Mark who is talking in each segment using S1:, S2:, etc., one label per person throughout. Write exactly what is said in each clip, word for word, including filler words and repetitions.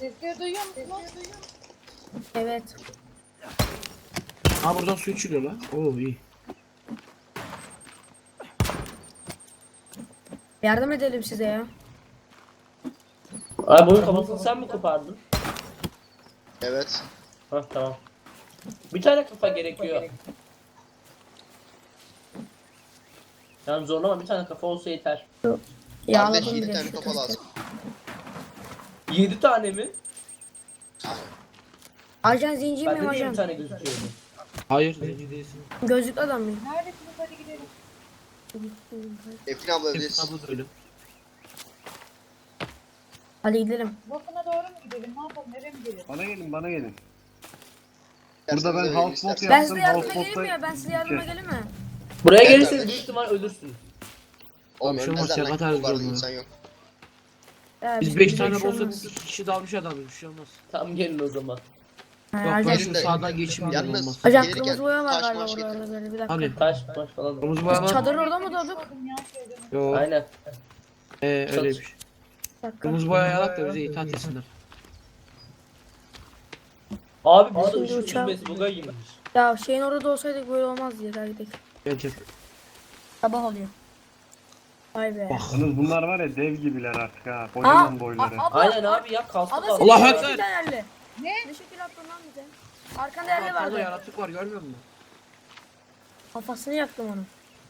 S1: Sesleri duyuyor musunuz?
S2: Evet.
S3: Ha buradan su içiliyor lan. Oo iyi.
S2: Yardım edelim size ya.
S4: Abi bunun kafasını sen mi kopardın?
S5: Evet.
S4: Hah tamam. Bir tane kafa gerekiyor. Yani zorlama, bir tane kafa olsa yeter.
S5: Kardeş
S2: Yağladım
S5: yedi
S2: bile.
S5: tane kafa lazım.
S4: Yedi tane mi?
S2: Ajan zenci
S4: Bende
S2: miyim
S4: niye bir
S2: ajan?
S4: tane gözüküyordu?
S3: Hayır zenci değilsin.
S2: Gözlüklü adam mıyım?
S1: Neredesiniz? Hadi gidelim.
S5: Efrin abla
S3: Hep
S5: evdeyiz.
S3: abla da öyle.
S2: Hadi gidelim.
S1: Volkan'a doğru mu gidelim? Ne yapalım? Nereye mi gidelim?
S6: Bana gelin bana gelin.
S5: İsterseniz
S6: Burada ben
S5: öyle,
S6: houseboat
S5: isterseniz-
S2: Ben
S6: Yaptım,
S2: size yardıma
S6: Houseboat'ta
S2: geleyim mi ya? Ben size yardıma
S6: iki.
S2: geleyim mi?
S4: Buraya
S5: Evet,
S4: gelirseniz
S5: kardeş.
S4: büyük ihtimal ölürsünüz.
S5: Oğlum
S3: Tamam, şu
S5: ölmezler
S3: maçya
S5: lan.
S3: kadar
S5: Çok var,
S3: zorluyor.
S5: insan yok.
S2: Ya,
S3: Biz
S2: bizim
S3: beş
S2: bir
S3: tane
S2: şey
S3: olsa
S2: olmaz.
S3: biz iki kişi dalmış adamız, bir şey olmaz.
S4: Tamam gelin o zaman.
S2: Ha,
S3: Yok ben
S2: ajan,
S3: şu sağdan geçeyim dedim,
S5: Yalnız
S3: olmaz.
S2: ajan
S5: gelirken
S2: kırmızı boya var
S5: taş
S2: galiba
S5: maş
S2: orada
S5: getirin.
S2: orada böyle bir dakika.
S3: Hani
S4: Taş taş falan.
S3: kırmızı boya
S2: Biz
S3: var.
S2: çadır orada mı doğduk?
S1: Sorun ya, söyledim.
S3: Yok.
S4: Aynen.
S3: Ee, öyleymiş.
S2: Bir dakika.
S3: Kırmızı boya yarak da bize itaat etsinler.
S4: Abi burada
S2: Şimdi
S4: ışık
S2: uçağı-
S4: yüzmesi buga girmiş.
S2: Ya şeyin orada olsaydık böyle olmaz diye gel gidelim.
S3: Bence.
S2: Sabah oluyor. Vay be.
S3: Bak.
S6: Yalnız bunlar var ya dev gibiler artık ha. Kocaman boyları.
S2: a- abla,
S4: Aynen abi ya, kaslı
S2: Abla
S4: kaslı.
S2: senin
S3: Allah
S2: Allah
S3: ekber.
S2: bir yerli.
S1: Ne?
S2: Ne şekil attın lan bize? Arkanda yerli
S3: Arkada
S2: vardı.
S3: yaratık var, görmüyor musun?
S2: Kafasını yaktım onu.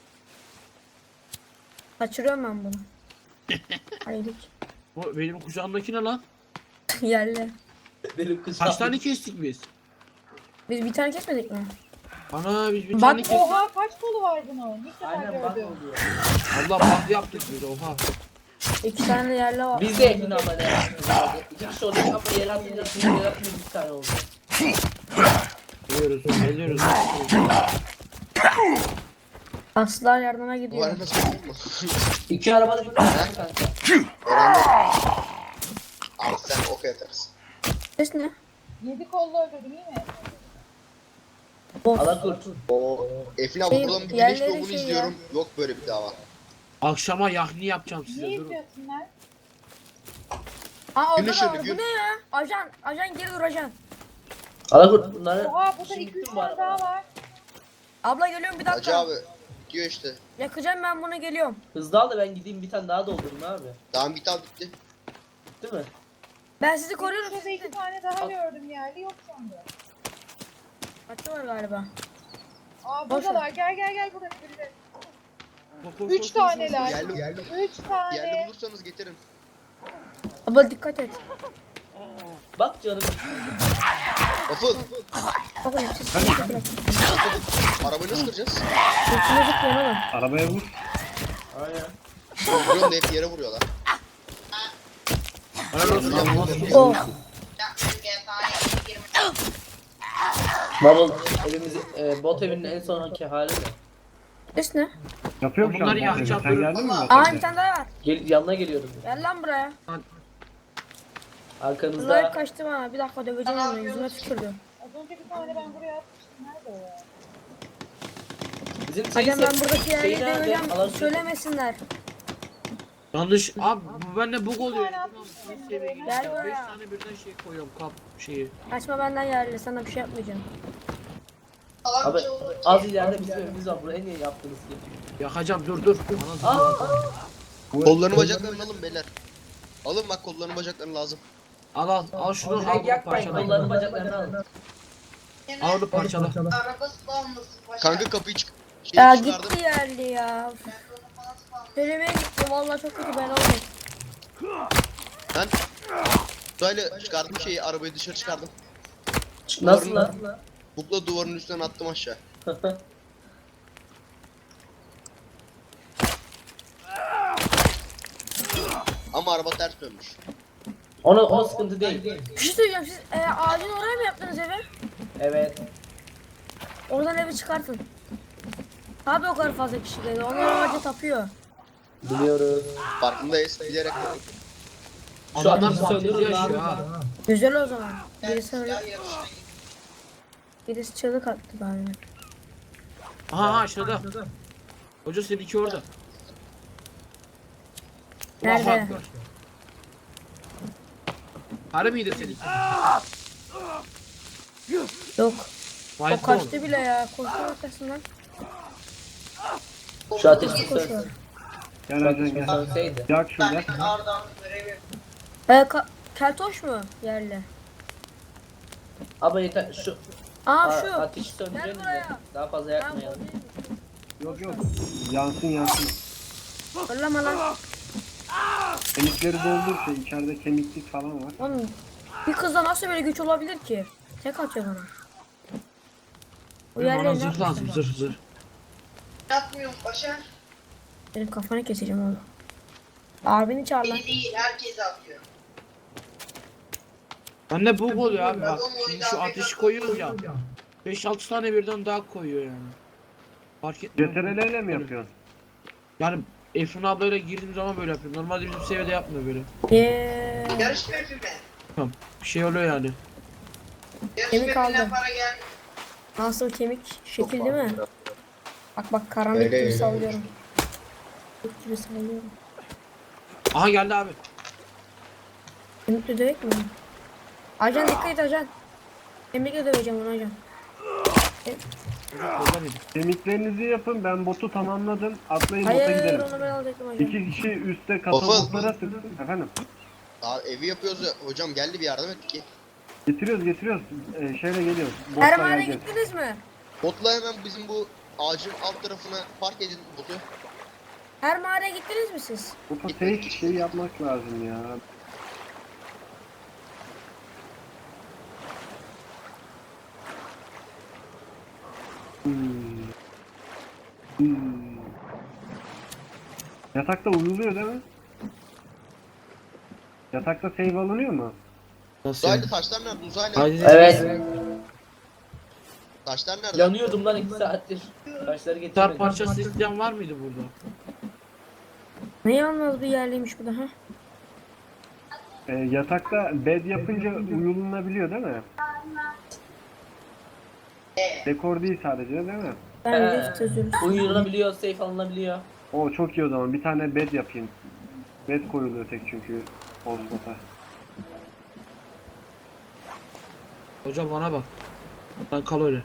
S2: Kaçırıyorum ben bunu. Haydi.
S3: Bu benim kucağımdaki ne lan?
S2: Yerli.
S4: Benim kız.
S3: Kaç tane kestik biz?
S2: Biz bir tane kesmedik mi?
S3: Ana biz bir
S2: Bak,
S3: tane kestik.
S1: Oha kaç kolu var bunun? İlk defa
S4: Aynen bak
S1: gördüm.
S4: oluyor.
S3: Allah bak yaptık biz, oha.
S2: İki tane de yerli var.
S4: Biz de Emin abla ne yaptık abi. İki kişi oldu ama yer altında ikimiz yer altında bir tane oldu.
S3: Geliyoruz, geliyoruz.
S2: Aslılar yardıma
S5: Bu
S2: gidiyor.
S5: arada söyleyeyim mi?
S4: İki arabada bir tane kanka.
S5: Öğrendim. Abi sen ok atarsın.
S2: Ses ne?
S1: Yedi kollu öldürdüm iyi mi?
S2: Boss.
S4: Alakurt.
S5: O Efrin abla
S2: Şey,
S5: buradan bir
S2: yerleri
S5: güneş doğumunu
S2: şey ya.
S5: izliyorum. Yok böyle bir dava.
S3: Akşama yahni yapacağım size,
S1: Ne
S3: durun.
S1: izliyorsunlar?
S2: Aa orada
S5: Güneş
S2: da
S5: önü,
S2: var. Bu
S5: gün-
S2: ne ya? Ajan, ajan geri dur ajan.
S4: Alakurt bunları.
S1: Oha burada
S4: Şimdi
S1: iki üç
S4: gittim bu
S1: tane daha
S4: arabaya.
S1: var.
S2: Abla geliyorum bir
S5: Hacı
S2: dakika.
S5: abi diyor işte.
S2: Yakacağım ben bunu geliyorum.
S4: Hızlı al da ben gideyim bir tane daha doldurayım abi.
S5: Tamam bir tane bitti.
S4: Değil mi?
S2: Ben sizi koruyorum.
S1: Şurada iki tane daha gördüm yerli yok sandım.
S2: Kaçtı var galiba.
S1: Aa
S2: Boş
S1: buradalar gel gel gel buraya. birileri.
S3: Bak, bak,
S1: Üç
S3: bak, bak,
S1: taneler.
S5: Yerli, yerli,
S1: Üç
S5: yerli
S1: tane.
S5: bulursanız getirin.
S2: Abla dikkat et.
S4: Bak canım.
S5: Afıl,
S2: Bakın siz dikkat et.
S5: arabayı nasıl kıracağız?
S2: Sırtına zıplayın oğlum.
S6: Arabaya vur.
S4: Aynen.
S5: Vuruyorum da hep yere vuruyorlar.
S3: Helal olsun abi, nasıl?
S2: Oh.
S4: Bubble evimiz, e, bot evinin en sonki hali mi?
S2: Ses ne?
S6: Yapıyor mu şu an?
S3: Bunları
S6: Sen
S3: yakacağım,
S6: Sen
S3: durun.
S6: geldin mi?
S2: Aa bir tane daha var.
S4: Gel, yanına geliyorum.
S2: Gel lan buraya.
S4: Arkanızda.
S2: Kızlar kaçtı bana. Bir dakika döveceğim onu. Yüzüme tükürdü.
S1: Az önce bir tane ben buraya atmıştım. Nerede o ya?
S4: Bizim
S2: Ajan ben
S4: teyze-
S2: buradaki
S4: şey
S2: yerleri
S4: nerede?
S2: döveceğim.
S4: Alakurt.
S2: Söylemesinler.
S3: Yanlış abi, bu bende bug oluyor.
S1: tane
S3: Tamam,
S1: atmıştım
S3: bir seviyeye
S1: buraya.
S3: gidiyor.
S2: Gel
S3: Beş
S2: buraya.
S3: tane birden şey koyuyorum, kap şeyi.
S2: Kaçma benden yerli. Sana bir şey yapmayacağım.
S4: Abi az ileride bizim evimiz var. Buraya niye yaptınız ki?
S3: Yakacağım, dur dur. Ana,
S4: Aa,
S5: Kollarını bacaklarını alın beyler. Alın bak kollarını bacaklarını lazım.
S3: al al, al şunu, al
S4: direkt
S3: bunu
S4: yakmayın.
S3: parçala.
S4: Kollarını bacaklarını alın.
S3: Al onu parçala.
S5: Kanka kapıyı çık.
S2: Ya
S5: Şeyi çıkardım.
S2: gitti yerli ya. Söylemeye gitti. Vallahi çok kötü ben oldum.
S5: Ben böyle çıkardım şeyi, arabayı dışarı çıkardım.
S4: Nasıl lan?
S5: Bukla duvarın üstünden attım aşağı. Ama araba ters dönmüş.
S4: Ona, o sıkıntı değil.
S2: Bir şey söyleyeceğim. Siz e, ağacın oraya mı yaptınız evi?
S4: Evet.
S2: Oradan evi çıkartın. Abi o kadar fazla kişi geldi. Onlar ağaca tapıyor.
S4: Biliyoruz.
S5: Farkındayız. Bilerek
S4: Şu an
S3: Adamlar
S4: bizi
S3: fantezi
S4: söndürün
S3: yaşıyor
S4: abi.
S3: ha.
S2: Güzel o zaman. Birisi öyle. Birisi çığlık attı galiba.
S3: Aha aşağıda. Hoca seninki orada.
S2: Nerede?
S3: Allahu Ekber. Harbi miydi senin?
S2: Yok.
S3: Vay
S2: O kaçtı bile ya. Koştu arkasından.
S4: Şu ateşi
S2: Koşuyor.
S4: sönsün.
S6: Gel Acan gel.
S4: Sönseydi.
S6: Yak şurada.
S2: Ee, ka- keltoş mu yerli?
S4: Ama yeter şu
S2: Aa
S4: a-
S2: şu.
S4: ateşi söndürelim de
S2: buraya.
S4: daha fazla
S2: Ben
S4: yakmayalım.
S6: Yok yok. Yansın yansın.
S2: Fırlama lan.
S6: Kemikleri doldur şey içeride kemiklik falan var.
S2: Oğlum bir kızda nasıl böyle güç olabilir ki? Tek atıyor bana. O
S3: Bana
S2: yerleri ne
S3: zırh
S2: yapmışlar
S3: lazım
S2: bak?
S3: zırh zırh.
S7: Yapmıyorum Başar.
S2: Benim kafanı keseceğim oğlum. Abini çağır lan.
S7: Beni değil herkes atıyor.
S3: Bende bug oluyor abi bak.
S7: Adam
S3: Şimdi
S7: oyunda
S3: şu
S7: Afrika
S3: ateşi koyuyoruz ya. beş altı tane birden daha koyuyor yani. Fark etmiyor.
S6: C T R L ile mi yapıyorsun?
S3: Yani Efrin ablayla girdiğim zaman böyle yapıyorum. Normalde bizim seviyede yapmıyor böyle.
S2: Yeee.
S7: Yarış map'i mi?
S3: Bir şey oluyor yani.
S7: Yarış
S2: Kemik
S7: map'inden
S2: aldım.
S7: para gel.
S2: Nasıl kemik? Şekil değil mi? Bak bak karanlık
S5: Öyle,
S2: gibi
S5: öyle.
S2: sallıyorum. Kemik gibi sallıyorum.
S3: Aha geldi abi.
S2: Kemikle dövek mi? Ajan dikkat et ajan. Kemikle döveceğim onu ajan.
S3: Kollamayın.
S6: Kemiklerinizi yapın ben botu tamamladım. Atlayın bota
S2: Hayır
S6: gidelim.
S2: onu ben alacaktım ajan.
S6: İki kişi üstte
S5: Waffle.
S6: katapultlara sıksın. Efendim.
S5: Abi evi yapıyoruz ya. Hocam geldi bir yardım et ki.
S6: Getiriyoruz getiriyoruz. Ee, şeyle geliyoruz.
S2: Her
S6: Botla
S2: mağaraya
S6: geleceğiz.
S2: gittiniz mi?
S5: Botla hemen bizim bu ağacın alt tarafına park edin botu.
S2: Her mağaraya gittiniz mi siz?
S6: Bota tek şey yapmak lazım ya. Hmm. Hmm. Yatakta uyuluyor değil mi? Yatakta save alınıyor mu?
S3: Nasıl yani?
S5: Uzaylı taşlar nerede? Uzaylı.
S3: Haydi.
S4: Evet.
S5: Taşlar nerede?
S4: Yanıyordum lan iki saattir. Taşları
S3: Gitar
S4: getirmedim.
S3: parçası isteyen var mıydı burada?
S2: Ne yalnız bir yerliymiş bu da ha?
S6: Ee, yatakta bed yapınca uyulunabiliyor değil mi? Dekor değil sadece değil mi?
S2: Ben
S4: Ee,
S2: rift özürlüsü.
S4: Uyulanabiliyor, safe alınabiliyor.
S6: O çok iyi o zaman. Bir tane bed yapayım. Bed koyuluyor tek çünkü Osmot'a.
S3: Hocam bana bak. Lan kal öyle.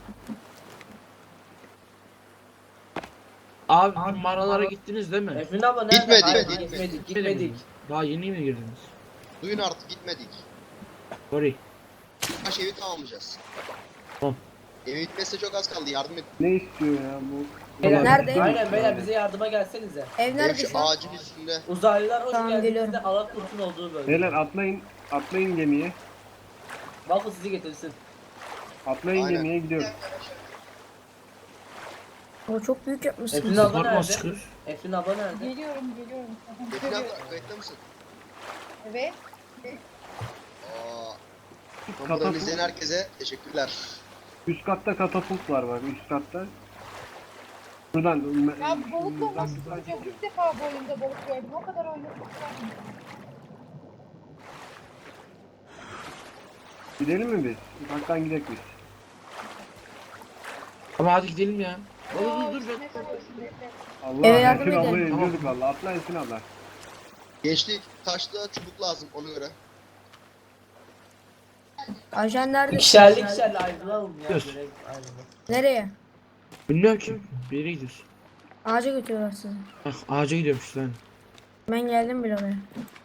S3: Abi mağaralara gittiniz değil mi?
S4: Efrin abla nerede?
S5: Gitmedik,
S4: Hayır,
S5: gitmedik.
S4: gitmedik, gitmedik.
S3: Daha yeni mi girdiniz?
S5: Duyun artık gitmedik.
S3: Sorry.
S5: Taş evi tamamlayacağız.
S3: Tamam.
S5: Evi bitmesine çok az kaldı yardım et.
S6: Ne istiyor ya bu?
S4: Beyler,
S2: Nerede?
S4: Aynen beyler bize yardıma gelsenize.
S2: Ev
S5: Ev
S2: nerede
S5: şu
S2: şu an?
S5: ağacın üstünde.
S4: Uzaylılar hoş
S2: Tamam,
S4: geldiniz
S2: geliyorum.
S4: de Alakurt'un olduğu bölge.
S6: Beyler atlayın. Atlayın gemiye.
S4: Waffle sizi getirsin.
S6: Atlayın
S5: Aynen.
S6: gemiye gidiyoruz.
S2: O çok büyük
S4: Efrin
S2: yapmışsınız.
S4: abla
S3: Korkmaz
S4: nerede?
S3: çıkır.
S4: Efrin abla nerede?
S1: Geliyorum geliyorum. Aha,
S5: Efrin
S1: görüyorum.
S5: abla kayıtta mısın?
S1: Evet.
S5: Aa.
S6: Katapult.
S5: Buradan izleyen herkese teşekkürler.
S6: Üst katta katapult var bak üst katta. Buradan
S1: Ya balıkla nasıl tutacağım? İlk defa bu oyunda balık gördüm. O kadar oynadım.
S6: gidelim mi biz? Ufaktan gidelim biz.
S3: Ama hadi gidelim ya. Dur
S1: Aa,
S3: dur dur.
S1: üstüne kalıyorsun, bekle.
S6: Allah
S2: Eve yardım
S6: Esin
S2: edin.
S6: ablayı
S3: Tamam.
S6: indirdik valla. Atla Esin abla.
S5: Geçtik. Taşta çubuk lazım ona göre.
S2: Ajan nerede?
S4: İkişerli ikişerli ayrılalım ya.
S3: Dur.
S4: Görev ayrılalım.
S2: Nereye?
S3: Bilmiyorum ki. Bir yere gidiyoruz.
S2: Ağaca götürüyorlar sizi.
S3: Bak ağaca gidiyormuş lan.
S2: Ben geldim bile oraya.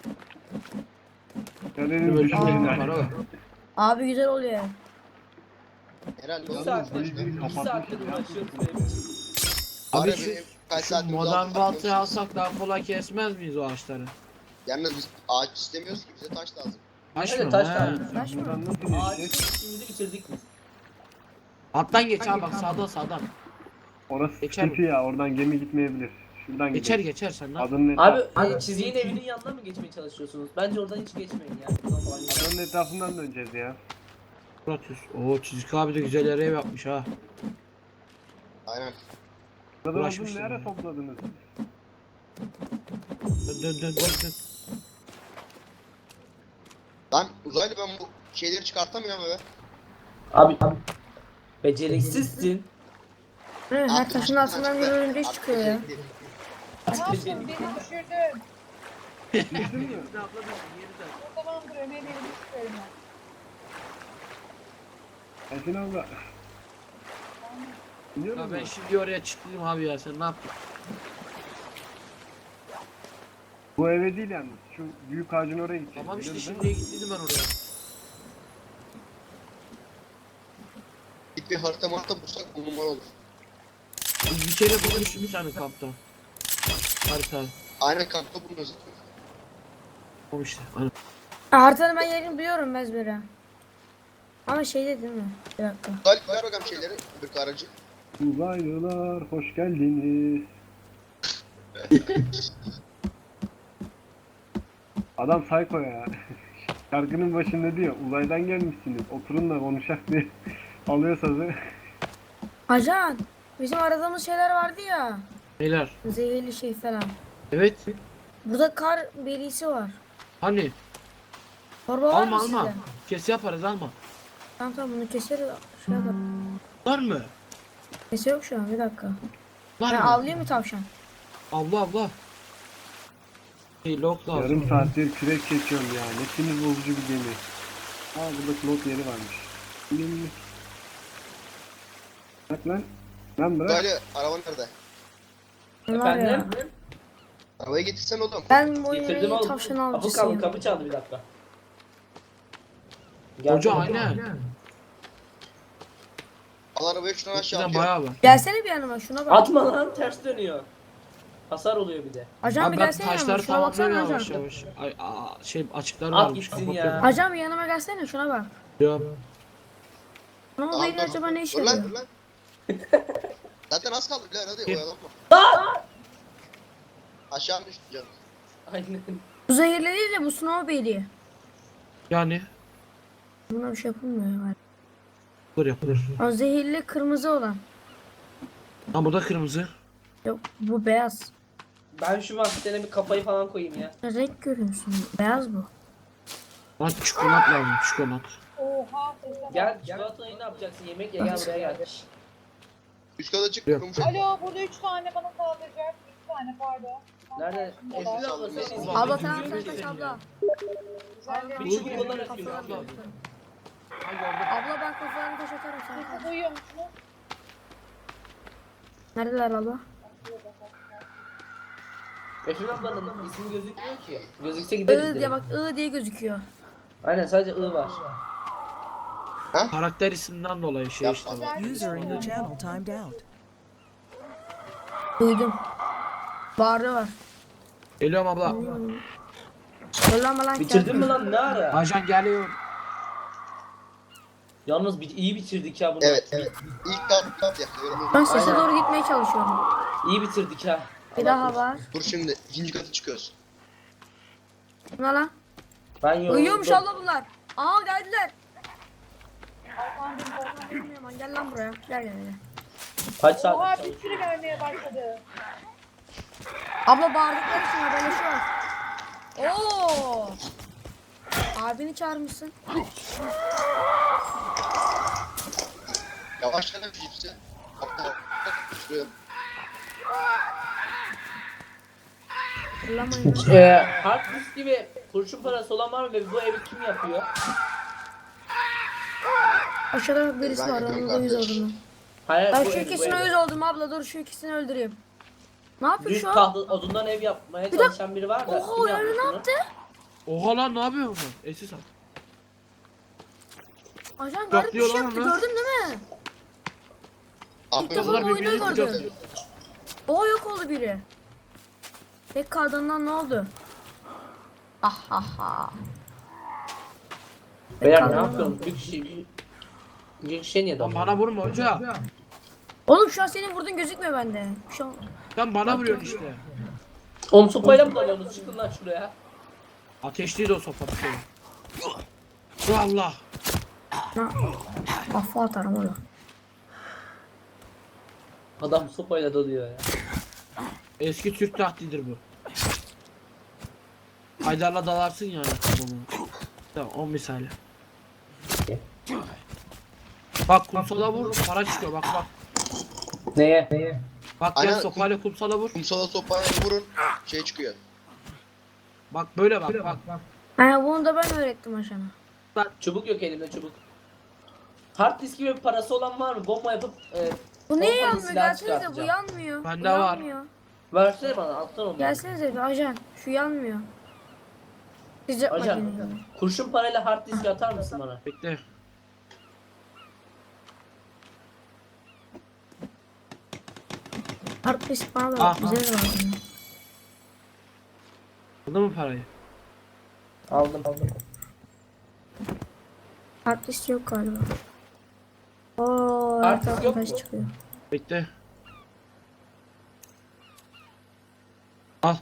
S6: Galenin
S3: Böyle
S6: düşmeyin.
S3: bir para var.
S2: Abi güzel oluyor ya.
S5: Herhalde
S4: Bir
S5: olur.
S4: saattir,
S6: Biri
S4: bir
S6: kapatmış
S4: saattir
S6: ya.
S4: uğraşıyoruz benim için.
S3: Abi
S5: Abi
S3: şu,
S5: kaç
S3: şu
S5: saatimiz
S3: modern
S5: aldı,
S3: baltayı
S5: bakıyoruz.
S3: alsak daha kolay kesmez miyiz o ağaçları?
S5: Yalnız biz ağaç istemiyoruz ki bize taş lazım.
S3: Taş
S4: Evet,
S3: mı?
S4: taş
S3: He.
S4: lazım.
S2: Taş mı?
S6: Buradan nasıl
S4: Ağacın
S6: geçecek?
S4: işimizi bitirdik biz.
S3: Alttan geç abi bak sağdan sağdan.
S6: Orası
S3: Geçer
S6: sıkıntı ya. Oradan gemi gitmeyebilir. Şuradan
S3: Geçer
S6: gidelim.
S3: geçer sen lan.
S6: Adının
S4: Abi
S6: etrafı.
S4: e, çizginin evinin yanına mı geçmeye çalışıyorsunuz? Bence oradan hiç geçmeyin ya. Buradan falan gidelim.
S6: Adının etrafından döneceğiz ya.
S3: Muratüs. Oo Çizik abi de güzel yere ev yapmış ha.
S5: Aynen.
S6: Burada uzun
S3: Uğraşmışlar.
S6: ne ara topladınız?
S3: Dön dön dön dön. dön.
S5: Lan uzaylı ben bu şeyleri çıkartamıyorum eve.
S4: Abi, abi. Beceriksizsin.
S2: Hı, her
S5: Abi,
S2: taşın
S5: taştan
S2: altından bir
S5: çıktı.
S2: örümcek
S5: Abi,
S2: çıkıyor ya.
S5: becerikli.
S1: Ne yaptın? Beni düşürdün.
S6: Düştün mü?
S3: Hepsini atladım. Yeri de.
S1: O zamandır Ömer'in elini tutuyorum ben.
S6: Esin abla. Biliyor
S3: Ya
S6: musun?
S3: ben şimdi oraya çıktım abi ya, sen ne yaptın?
S6: Bu eve değil yalnız. Şu büyük ağacın oraya gideceğiz.
S3: Tamam işte
S6: biliyorsun
S3: şimdiye gittiydim ben oraya.
S5: Git bir harita marita bulsak on numara olur.
S3: Biz bir kere bulmuştuk bir tane kampta. Harita.
S5: Aynen kampta bulunuyoruz.
S3: Tamam işte. Aynen.
S2: Haritanın ben yerini biliyorum ezbere. Ama şeyde değil mi? Bir dakika.
S5: Galip ver bakalım şeyleri. Bir aracı.
S6: Uzaylılar hoş geldiniz. Adam psycho ya. Şarkının başında diyor uzaydan gelmişsiniz oturun da konuşak diye alıyor sazı.
S2: Ajan. Bizim aradığımız şeyler vardı ya.
S3: Beyler.
S2: Zehirli şey falan.
S3: Evet.
S2: Burada kar berisi var.
S3: Hani?
S2: Torba var
S3: Alma
S2: mı
S3: alma.
S2: sizde?
S3: Kes yaparız alma.
S2: Tamam tamam bunu keseriz. Şey yaparım.
S3: Var mı?
S2: Kese yok şu an bir dakika.
S3: Var
S2: Ben
S3: mı?
S2: avlayayım mı tavşan?
S3: Abla abla. Hey lok lazım.
S6: Yarım saattir kürek çekiyorum ya. Ne sinir bozucu bir gemi. Aa burada pilot yeri varmış. Gemi. Bak lan. Lan bırak.
S5: Galip araban nerede?
S2: Ne var ya?
S4: Efendim?
S5: Arabayı getirsen oğlum.
S2: Ben bu
S4: Getirdim
S2: oyunu
S4: oğlum.
S2: tavşan
S4: Kapı kaldı,
S2: avcısıyım.
S4: kapı çaldı bir dakika.
S3: Hoca
S4: Geldim.
S3: aynen.
S5: Al arabayı şuradan aşağı
S3: Bizden
S5: atıyor.
S3: bayağı var.
S2: Gelsene bir yanıma şuna bak.
S4: Atma lan, ters dönüyor. Hasar oluyor bir de.
S2: Ajan
S3: Abi
S2: bir
S3: ben
S2: gelsene yanıma
S3: taşları
S2: şuna baksana
S3: tamamlıyorum
S2: ajan.
S3: yavaş yavaş. Ay, aa, şey açıklar
S4: At
S3: varmış.
S4: gitsin
S3: kapatıyorum.
S4: ya.
S2: Ajan bir yanıma gelsene şuna bak.
S3: Ya.
S2: Ne oldu
S5: Tamam,
S2: yine
S5: dur.
S2: acaba ne iş
S5: Dur lan
S2: yapıyor?
S5: dur lan. Zaten az kaldı birader hadi
S3: Gel.
S5: oyalanma. Aşağı mı düştün canım?
S4: Aynen.
S2: Bu zehirli değil de bu Snowberry.
S3: Yani.
S2: Buna bir şey yapılmıyor ya.
S3: Yapılır yapılır.
S2: O zehirli kırmızı olan.
S3: Ha bu da kırmızı.
S2: Yok bu beyaz.
S4: Ben şu maskene bir kafayı falan koyayım ya.
S2: Renk görüyorsun. Beyaz bu.
S3: Bana çikolat lazım çikolat.
S1: Oha sesle bak.
S4: Gel çikolatayı ne yapacaksın? Yemek ye, gel buraya gel.
S5: Üst kata çık.
S3: Yok.
S5: kurumuş.
S1: Alo burada üç tane bana saldıracak. üç tane pardon.
S4: Nerede?
S1: Karşımda
S4: Esin
S1: da.
S4: abla senin
S3: Abla,
S2: Abla
S4: yüzün
S2: tamam
S4: gözüküyor
S2: sen kaç
S4: senin ya.
S2: abla.
S1: Güzellerim.
S4: Bir çubuk olarak yiyor abla.
S2: Abla ben kafalarını taş atarım sana.
S1: Sesi duyuyor musunuz?
S2: Neredeler abla?
S4: Esin ablanın ismi gözükmüyor ki. Gözükse gideriz
S2: I diye
S4: direkt.
S2: bak I diye gözüküyor.
S4: Aynen sadece I var.
S3: Karakter isimden dolayı şey işte.
S5: Yapma.
S8: User in your channel timed out.
S2: Duydum. Bağırı var.
S3: Geliyorum abla.
S2: Yollama lan
S4: Bitirdin mi lan ne ara?
S3: Ajan geliyor.
S4: Yalnız bir, iyi bitirdik ya bunu.
S5: Evet evet. İlk kat kat yakıyorum.
S2: Ben sese
S4: Aynen.
S2: doğru gitmeye çalışıyorum.
S4: İyi bitirdik ha.
S2: Bir daha var.
S5: Dur şimdi ikinci katı çıkıyoruz.
S2: Ne lan?
S4: Ben yoruldum.
S2: Uyuyormuş abla bunlar. Aa geldiler. Bilmiyorum, gel lan buraya. Gel gel gel.
S4: Kaç
S1: Oha
S4: saat
S1: bir
S4: çalışıyor?
S1: sürü vermeye başladı.
S2: Abla bağırdıkları için haberleşiyor. Oo. Abini çağırmışsın.
S5: Yavaş gel hepsi. Hatta şuraya.
S2: Fırlamayın.
S4: Ee, hard disk gibi kurşun parası olan var mı ve bu evi kim yapıyor?
S2: Aşağıda birisi
S5: Ben
S2: var.
S5: yapıyorum
S2: Onun da yüz
S5: kardeş.
S2: oldum.
S4: Hayır
S2: Ben
S4: bu
S2: şu
S4: ev, bu
S2: ikisine
S4: ev.
S2: yüz oldum abla. Dur şu ikisini öldüreyim. Ne yapıyor
S4: Düz
S2: şu an?
S4: tahta odundan ev yapmaya
S2: Bir dakika.
S4: çalışan biri var da.
S2: Oha
S4: kim
S2: o yani ne
S4: bunu?
S2: yaptı?
S3: Oha lan ne yapıyor bu? Esis at.
S2: Ajan garip bir şey
S3: Yaklıyor lan
S2: yaptı.
S3: onu.
S2: Gördün değil mi?
S5: Aferin.
S2: defa
S3: Bunlar
S2: bu oyunu
S3: birbirini
S2: gördüm.
S3: tutuyor.
S2: Oha yok oldu biri. Tek kaldığından ne oldu? Ah ah ah.
S4: Beyler ne
S2: Kaldı.
S4: yapıyorsun? Bir kişi bir, bir kişi niye
S3: Lan
S4: dalıyor?
S3: bana vurma hoca.
S2: Oğlum şu an senin vurduğun gözükmüyor bende. Şu an...
S3: Sen bana vuruyorsun işte.
S4: Oğlum sopayla mı dalıyorsunuz? Çıkın lan şuraya.
S3: Ateşliydi o sopa bir şey. Allah.
S2: Na... Kafa atarım oğlum.
S4: Adam sopayla dalıyor ya.
S3: Eski Türk tahtidir bu. Haydar'la dalarsın yani. Bunu. Tamam o misali. Bak kumsala vur para çıkıyor bak bak.
S4: Neye? Neye?
S3: Bak
S5: Aynen,
S3: gel sopayla kumsala vur.
S5: Kumsala sopaya vurun. Şey çıkıyor.
S3: Bak böyle bak bak. bak.
S2: Ha, bunu da ben öğrettim aşağıma.
S4: Çubuk yok elimde çubuk. Hard disk gibi parası olan var mı? Bomba yapıp e,
S2: Bu niye
S4: pompalı
S2: yanmıyor?
S4: silah
S2: Gelsenize, bu
S4: çıkartacağım.
S2: yanmıyor.
S3: Bende
S2: Bu
S3: var.
S2: yanmıyor.
S4: Versene bana alttan onu.
S2: Gelsenize bir ajan. Şu yanmıyor. Sıcak
S4: Ajan,
S2: makinesi.
S4: kurşun parayla hard disk atar mısın bana?
S3: Bekle.
S2: Hard disk bana da
S3: Ah,
S2: bize de lazım.
S3: Aldın mı parayı?
S4: Aldım aldım.
S2: Hard disk yok galiba. Oo,
S4: Hard
S2: her
S4: disk
S2: taraftan
S4: yok
S2: taş
S4: mu?
S2: çıkıyor.
S3: Bekle. Al.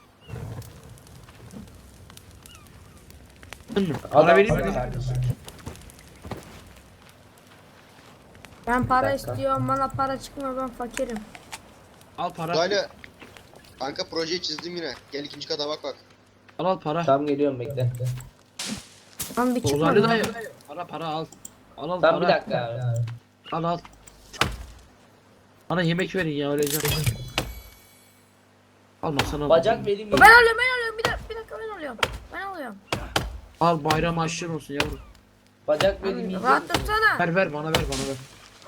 S3: Aldın mı? Para vereyim mi?
S2: Ben para
S4: Bir dakika.
S2: istiyorum, bana para çıkmıyor, ben fakirim.
S3: Al para.
S5: Uzaylı. Kanka projeyi çizdim yine. Gel ikinci kata bak bak.
S3: Al al para.
S4: Tamam geliyorum bekle.
S2: Lan bir çıkmadı.
S3: Uzaylı dayı. Para para al. Al al
S4: Tamam bir
S3: para.
S4: dakika abi.
S3: Al al. Bana yemek verin ya öleceğim. Alma sana.
S4: Bacak vereyim.
S2: Ben alıyorum, ben alıyorum. Bir dakika, bir dakika ben alıyorum. Ben alıyorum.
S3: Al bayram aşkın olsun yavrum.
S4: Bacak vereyim yiyecek
S2: Rahat
S4: misin?
S2: tutsana.
S3: Ver ver bana ver bana ver.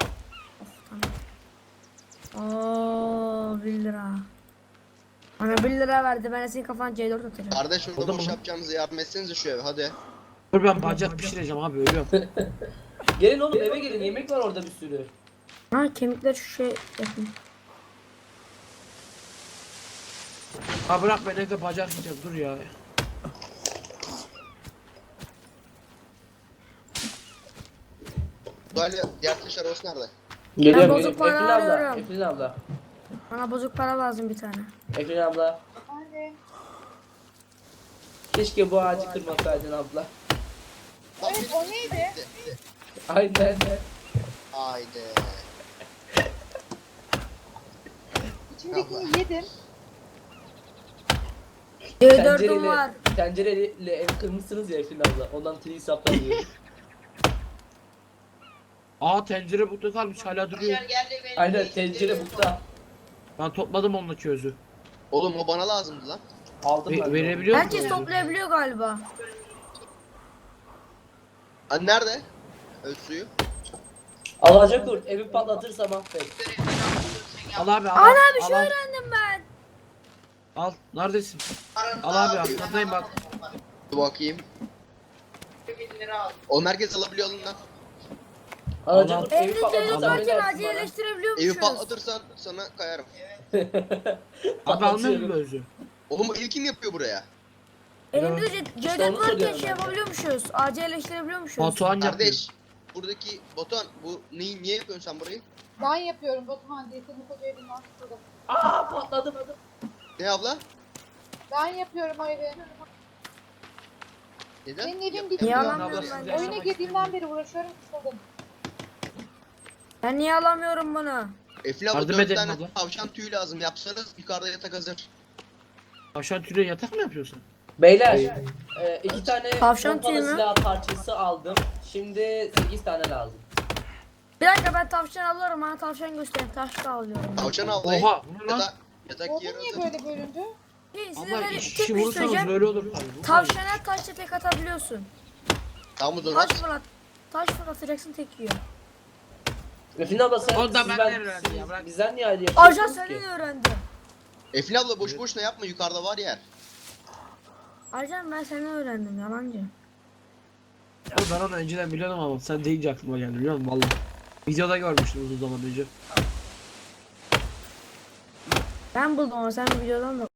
S2: Oo, bir lira. Bana bir lira verdi, ben de senin kafana C dört atacağım.
S5: Kardeş orada
S3: Oldu
S5: boş
S3: mu?
S5: yapacağınıza yardım etsenize şu eve hadi.
S3: Dur ben bacak pişireceğim abi ölüyorum.
S4: Gelin oğlum eve gelin yemek var orada bir sürü.
S2: Ha, kemikler şu şey yapayım.
S3: Ha bırak ben evde bacak yiyeceğim dur ya.
S5: Uzaylı diğer taş arabası nerede?
S4: Geliyorum
S2: bozuk
S4: geliyorum.
S2: para
S4: Efrin abla.
S2: arıyorum.
S4: Efrin abla.
S2: Bana bozuk para lazım bir tane.
S4: Efrin abla.
S1: Anne.
S4: Keşke bu ağacı kırmasaydın abla.
S1: Evet, o neydi?
S4: Aynen.
S5: Haydi.
S1: İçindekini yedim.
S2: C dört'üm var.
S4: tencereyle ev kırmışsınız ya Efrin abla. Ondan tri saplanıyor.
S3: Aa tencere bukta kalmış hala duruyor.
S7: Başar gel de beni
S4: Aynen
S7: değiştirelim.
S4: tencere bukta.
S3: Ben topladım onunla közü.
S5: Oğlum o bana lazımdı lan.
S4: Aldım
S3: Ve-
S4: ben. de.
S3: verebiliyor musun?
S2: Herkes toplayabiliyor galiba.
S5: Hani nerede? Öz suyu.
S4: Alacak kurt evi patlatırsa mahvet.
S3: Al abi al.
S2: Ana
S3: al,
S2: bir şey
S3: al, al.
S2: öğrendim ben.
S3: Al neredesin?
S7: Aranızda
S3: Al abi
S7: aldım.
S3: arkandayım bak.
S5: Dur bakayım.
S7: bin lira aldım.
S5: O merkez alabiliyor alın lan.
S4: Alacak
S3: Allah.
S4: kurt evi
S2: Evde C dört
S4: patlatırsa
S2: varken
S4: ne dersin
S2: acil
S4: bana?
S2: eleştirebiliyormuşuz.
S5: Evi patlatırsan sana kayarım.
S3: Abi almıyor mu özü?
S5: Oğlum o ilk kim yapıyor buraya?
S2: Elimizde C
S4: İşte
S2: dört
S4: onu
S2: varken
S4: söylüyorum
S2: şey
S4: ben de.
S2: yapabiliyormuşuz. Acil eleştirebiliyormuşuz.
S3: Batuhan yapıyor.
S5: Kardeş. Buradaki Batuhan bu neyi niye yapıyorsun sen burayı?
S1: Ben yapıyorum Batuhan diye senin koca evinden tutuldum.
S4: Aa patladım.
S5: Ne abla?
S1: Ben yapıyorum o evi.
S5: Neden?
S1: Senin evin
S5: Yap-
S1: bitti.
S2: Niye
S5: yapıyor.
S2: alamıyorum
S3: Abla,
S2: ben?
S3: siz
S1: Oyuna
S3: yaşamak
S1: girdiğimden beri uğraşıyorum, tutuldum.
S2: Ben niye alamıyorum bunu?
S5: Efli abla
S3: Yardım
S5: dört
S3: edelim
S5: tane
S3: abla.
S5: tavşan tüyü lazım. Yapsanız yukarıda yatak hazır.
S3: Aşağı tüyle yatak mı yapıyorsun?
S4: Beyler e, iki tane
S2: Tavşan
S4: pompalı
S2: tüyü mü?
S4: silah parçası aldım. Şimdi sekiz tane lazım.
S2: Bir dakika, ben tavşan alıyorum, bana tavşan gösterin. Taş da alıyorum.
S5: Tavşan avlayın.
S3: Oha bu ne lan?
S5: Yatak, yatak
S1: Oldu
S5: yeri
S1: niye
S5: hazır.
S1: böyle bölündü?
S2: Hey, size
S3: Abla
S2: böyle
S3: iki
S2: tek
S3: kişi
S2: bir şey
S3: vurursanız
S2: söyleyeceğim.
S3: böyle olur. Abi, bu
S2: Tavşana taşla tek atabiliyorsun.
S5: Tamam o zaman
S2: Taş
S5: at.
S2: fırlat. Taş fırlatacaksın, tek yiyor.
S4: Efrin abla sen
S3: O da
S4: siz
S3: benden
S4: ben-
S3: öğrendi
S4: siz-
S3: ya, bırak.
S4: bizden niye ayrı
S2: Ajan
S4: yapıyorsunuz
S2: senden
S4: ki?
S2: öğrendim.
S5: Efli abla boş boşuna yapma yukarıda var yer.
S2: Ajan ben senden öğrendim, yalancı.
S3: Oğlum ben onu önceden biliyordum ama sen deyince aklıma geldi biliyor musun valla. Videoda görmüştüm uzun zaman önce.
S2: Ben buldum ama sen videodan da